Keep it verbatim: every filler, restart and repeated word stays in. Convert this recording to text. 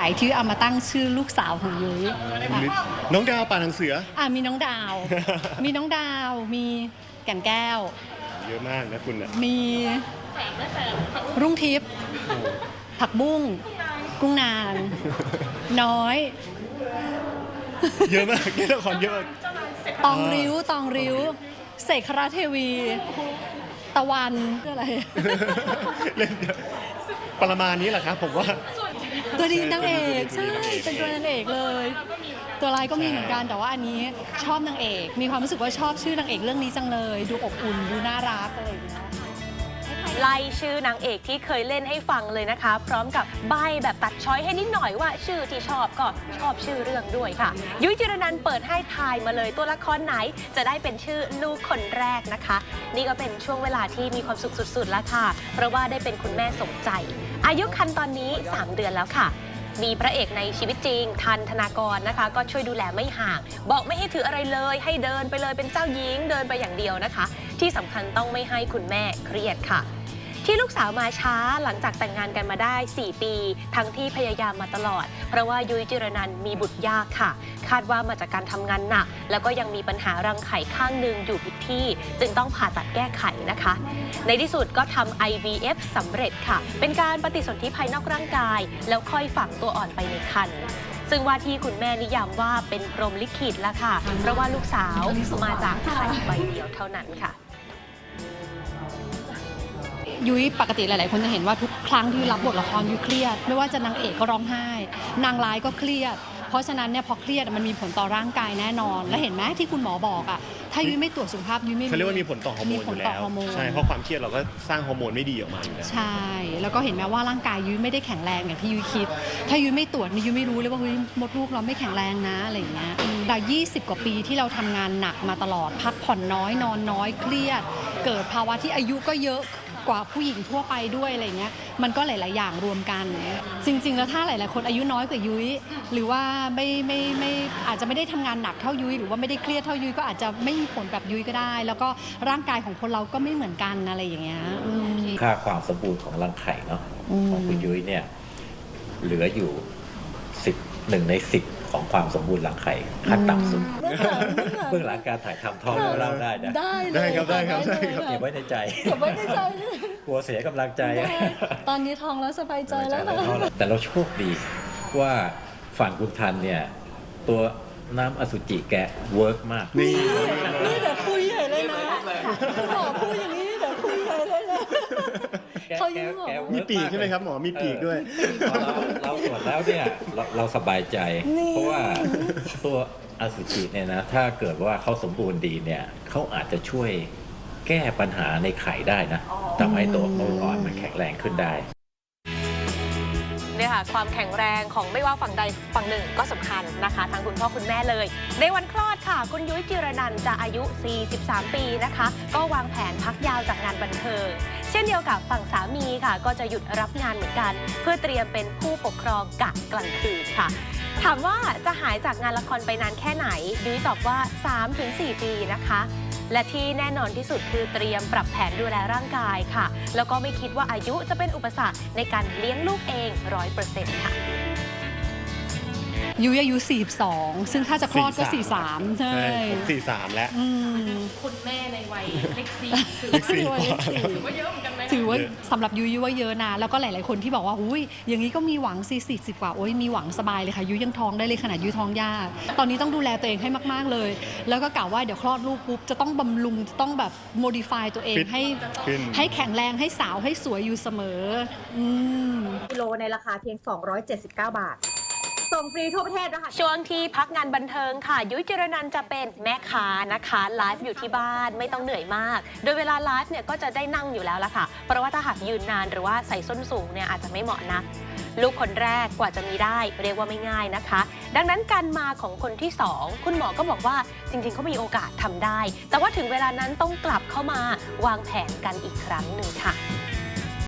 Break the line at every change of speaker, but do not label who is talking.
ายที่เอามาตั้งชื่อลูกสาวของยุ้ย
น้องดาวป่าหนังเสือ
อ่ะมีน้องดาว มีน้องดาว มีแก่นแก้ว
เยอะมากนะคุณอ่ะ
มีรุ่งทิพย์ผักบุ้งกุ้งนาง น้อย
เยอะมากเล่นละครเยอะ
ตองริ้วตองริ้วเสกคราเทวี ตะวันคืออะไร
เล่นเยอะประมาณนี้แหละครับผมว่า
ตัวดีนางเอกใช่เป็นตัวนางเอกเลย ตัวร้ายก็มีเหมือนกันแต่ว่าอันนี้ชอบนางเอก มีความรู้สึกว่าชอบชื่อนางเอกเรื่องนี้จังเลย ดูอบอุ่นดูน่ารักอะไรอย่างเงี้ย
ไล่ชื่อนางเอกที่เคยเล่นให้ฟังเลยนะคะ พร้อมกับใบแบบตัดช้อยให้นิดหน่อยว่าชื่อที่ชอบก็ชอบชื่อเรื่องด้วยค่ะ ยุ้ยจิรนันท์เปิดให้ทายมาเลยตัวละครไหนจะได้เป็นชื่อลูกคนแรกนะคะ นี่ก็เป็นช่วงเวลาที่มีความสุขสุดๆแล้วค่ะเพราะว่าได้เป็นคุณแม่สมใจ อายุครรภ์ตอนนี้สามเดือนแล้วค่ะ มีพระเอกในชีวิตจริงทันธนากรนะคะก็ช่วยดูแลไม่ห่าง บอกไม่ให้ถืออะไรเลยให้เดินไปเลยเป็นเจ้าหญิงเดินไปอย่างเดียวนะคะ ที่สำคัญต้องไม่ให้คุณแม่เครียดค่ะ ที่ลูกสาวมาช้าหลังจากแต่งงานกันมาได้ สี่ ปี ทั้งที่พยายามมาตลอด เพราะว่ายุ้ยจิรนันท์มีบุตรยากค่ะ คาดว่ามาจากการทำงานหนัก แล้วก็ยังมีปัญหารังไข่ข้างหนึ่งอยู่ผิดที่ จึงต้องผ่าตัดแก้ไขนะคะ ในที่สุดก็ทำ ไอ วี เอฟ สำเร็จค่ะ เป็นการปฏิสนธิภายนอกร่างกาย แล้วค่อยฝังตัวอ่อนไปในครรภ์ซึ่งว่าที่คุณแม่นิยามว่าเป็นพรหมลิขิตละค่ะ เพราะว่าลูกสาวมาจากไข่ใบเดียวเท่านั้นค่ะ
ยุ้ยปกติหลายๆคนจะเห็นว่าทุกครั้งที่รับบทละครยุ้ยเครียดไม่ว่าจะนางเอกก็ร้องไห้นางร้ายก็เครียดเพราะฉะนั้นเนี่ยพอเครียดมันมีผลต่อร่างกายแน่นอนและเห็นไหมที่คุณหมอบอกอ่ะถ้ายุ้ยไม่ตรวจสุขภาพยุ้ยไม่
เขาเรียกว่ามีผลต่อฮอร์โมน
มี
อ
ผล
ยู่
ต่อ
แล้ว
ฮอร์โมน
ใช่เพราะความเครียดเราก็สร้างฮอร์โมนไม่ดีออกมาอยู่แล้ว
ใช่แล้วก็เห็นไหมว่าร่างกายยุ้ยไม่ได้แข็งแรงอย่างที่ยุ้ยคิด ถ้ายุ้ยไม่ตรวจนี่ยุ้ยไม่รู้เลยว่าเฮ้ยมดลูกเราไม่แข็งแรงนะอะไรอย่างเงี้ยแต่ยี่สิบกว่าปีที่เราทำงานหนักมาตลอดพักผ่อนน้อยนอนน้อยเครียด เกิดภาวะที่อายุก็เยอะกว่าผู้หญิงทั่วไปด้วยอะไรเงี้ยมันก็หลาย ๆ อย่างรวมกัน จริง ๆ แล้วถ้าหลาย ๆ คนอายุน้อยกว่ายุ้ยหรือว่าไม่ไม่ไม่อาจจะไม่ได้ทำงานหนักเท่ายุ้ยหรือว่าไม่ได้เครียดเท่ายุ้ยก็อาจจะไม่มีผลแบบยุ้ยก็ได้ แล้วก็ร่างกายของคนเราก็ไม่เหมือนกันอะไรอย่างเงี้ย
ค่าความสมบูรณ์ของรังไข่เนาะของคุณยุ้ยเนี่ยเหลืออยู่สิบหนึ่งในสิบของความสมบูรณ์รังไข่ขั้นต่ำสุดเบื้องหลังการถ่ายทำท้องเล่าได้นะ
ได้เลย
ได้ครับได้ครับได้ครับ
เก็บไว้ในใจ
เก็บไว้ในใจเลย
กลัวเสียกำลังใจ
ตอนนี้ท้องแล้วสบายใจแล้วนะ
แต่เราโชคดีว่าฝั่งคุณทันเนี่ยตัวน้ำอสุจิแกเวิร์กมาก
นี่
นี่เดี๋ยวคุยใหญ่เลยนะคุณหมอพูดอย่างนี้เดี๋ยวคุยใหญ่เลยนะเขายิ้มหรอ
มีปีกใช่ไหมครับหมอมีปีกด้วย
เราเราตรวจแล้วเนี่ยเราเราสบายใจ เพราะว่าตัวอสุจิเนี่ยนะถ้าเกิดว่าเขาสมบูรณ์ดีเนี่ยเขาอาจจะช่วยแก้ปัญหาในไข่ได้นะทำให้ตัวลูกอ่อนมันแข็งแรงขึ้นได้
เนี่ยค่ะความแข็งแรงของไม่ว่าฝั่งใดฝั่งหนึ่งก็สำคัญนะคะทั้งคุณพ่อคุณแม่เลย ในวันคลอดค่ะคุณยุ้ยจิรนันท์จะอายุ สี่สิบสาม ปีนะคะก็วางแผนพักยาวจากงานบันเทิงเช่นเดียวกับฝั่งสามีค่ะก็จะหยุดรับงานเหมือนกัน เพื่อเตรียมเป็นผู้ปกครองกะกลางคืนค่ะถามว่าจะหายจากงานละครไปนานแค่ไหนยุ้ยตอบว่า สามถึงสี่ ปีนะคะและที่แน่นอนที่สุดคือเตรียมปรับแผนดูแลร่างกายค่ะแล้วก็ไม่คิดว่าอายุจะเป็นอุปสรรคในการเลี้ยงลูกเอง ร้อยเปอร์เซ็นต์ ค่ะ
ยุ้ยอายุสี่สิบสองซึ่งถ้าจะคลอดก็สี่สิบสามใช่
ผมสี่สิบสามแล้ว
คุณแม่ในวัยเล็กซี
เล็กสี่
ถือว่าเยอะเหมือนกันไหมถือว่าสำหรับยุ้ยว่าเยอะนะแล้วก็หลายๆคนที่บอกว่าอุ้ยอย่างนี้ก็มีหวังสี่สิบสิบกว่าโอ้ยมีหวังสบายเลยค่ะยุ้ยยังท้องได้เลยขนาดยุ้ยท้องยากตอนนี้ต้องดูแลตัวเองให้มากๆเลยแล้วก็กล่าวว่าเดี๋ยวคลอดลูกปุ๊บจะต้องบำรุงจะต้องแบบ modify ตัวเองให้ให้แข็งแรงให้สาวให้สวยอยู่เสมออืม
กิโลในราคาเพียง สองร้อยเจ็ดสิบเก้า บาท ส่งฟรีทั่วประเทศนะคะ
ช่วงที่พักงานบันเทิงค่ะยุ้ยจิรนันท์จะเป็นแม่ค้านะคะไลฟ์อยู่ที่บ้านไม่ต้องเหนื่อยมากโดยเวลาไลฟ์เนี่ยก็จะได้นั่งอยู่แล้วละค่ะเพราะว่าถ้าหากยืนนานหรือว่าใส่ส้นสูงเนี่ยอาจจะไม่เหมาะนักลูกคนแรกกว่าจะมีได้เรียกว่าไม่ง่ายนะคะดังนั้นการมาของคนที่สองคุณหมอก็บอกว่าจริงๆเขามีโอกาสทำได้แต่ว่าถึงเวลานั้นต้องกลับเข้ามาวางแผนกันอีกครั้งหนึ่งค่ะ